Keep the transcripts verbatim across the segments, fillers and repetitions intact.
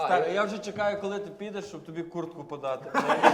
Да, Так, я, я вже чекаю, коли ти підеш, щоб тобі куртку подати.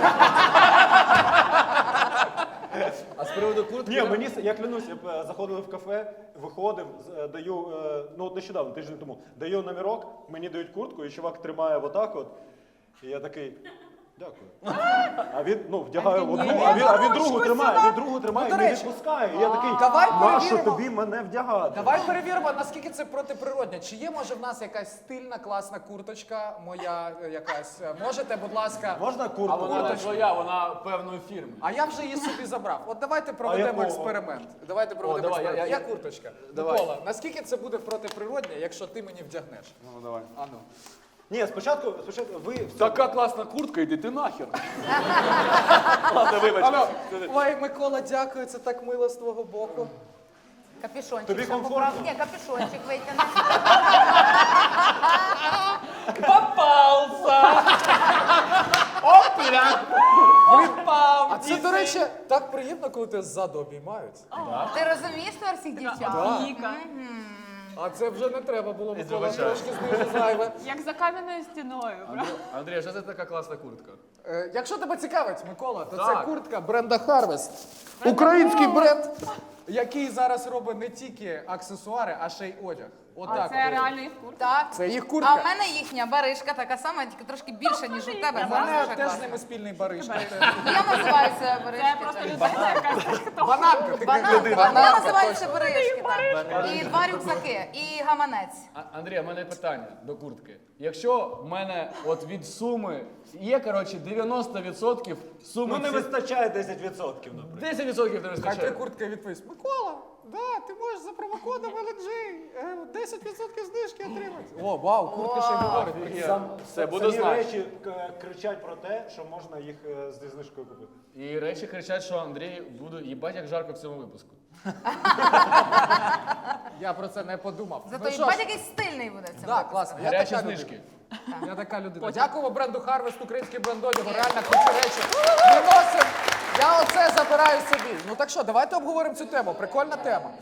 А з приводу куртки... Ні, мені, я клянусь, я е, заходив в кафе, виходив, з- е, даю, е, ну от нещодавно, тиждень тому, даю номерок, мені дають куртку, і чувак тримає отак от, і я такий, дякую. А він, ну, вдягає А він одну, ні, а він, а він ручку другу сюди. тримає, він другу тримає, Ну, і до не речі, відпускає. І я такий, давай нащо перевіримо. тобі мене вдягати? Давай перевіримо, наскільки це протиприродне. Чи є, може, в нас якась стильна, класна курточка, моя е, якась. Е, Можете, будь ласка. Можна А куртку? вона не твоя, вона певної фірми. А я вже її собі забрав. От давайте проведемо якого? експеримент. Давайте проведемо давай, експеримент. я- Я, я- курточка. Давай. Микола, наскільки це буде протиприродне, якщо ти мені вдягнеш? Ну, давай. Ану. Ні, спочатку, спочатку ви... в Така класна куртка, йди ти нахер. Ладно, вибач. Алло. Ой, Микола, дякую, це так мило з твого боку. Капюшончик. Тобі щоб комфортно? поправ- Ні, капюшончик витягни. Попався! Опля! Попав! А це, до речі, так приємно, коли тебе ззаду обіймають. Ти розумієш тепер всіх дівчат? Віка. А це вже не треба було, Микола, вибачаю. трошки знизу зайве. Як за кам'яною стіною, правда? Андрій, що це така класна куртка? Е, Якщо тебе цікавить, Микола, то це Так. куртка бренда Harvest. Український бренд, який зараз робить не тільки аксесуари, а ще й одяг. А Отак. це от. реально їх куртка? Так. Це їх А куртка. в мене їхня баришка така сама, тільки трошки більша, ніж у тебе. У Зараз мене дуже теж з класно. ними спільний баришка. Я називаю себе Це баришки. просто так. людина якась. Хто? Бананка, ти Банан, людина. я Бананка, називаю точно. себе баришки, так. І два рюкзаки, і гаманець. А- Андрій, у мене питання до куртки. Якщо в мене от від суми є, коротше, дев'яносто відсотків суми... Ну не ці- вистачає десять відсотків, наприклад. десять відсотків не Хай ти вистачає. куртка відповість. Микола, да, ти можеш за промокодом ел джі е, десять відсотків знижки отримати. О, вау, куртка ще й говорить. прикинь. Сам, Все, буду самі знати. речі к- кричать про те, що можна їх е, зі знижкою купити. І речі кричать, що Андрій буду їбать як жарко в цьому випуску. Я про це не подумав. Зато Ну і що бать ж, якийсь стильний буде в цьому. да, класно. Я Гарячі така знижки. людина. Я така людина. Дякуємо бренду Harvest, український бренд одягу. Реально кучу речі. Ми носимо. Я оце забираю собі. Ну так що, давайте обговоримо цю тему. Прикольна тема.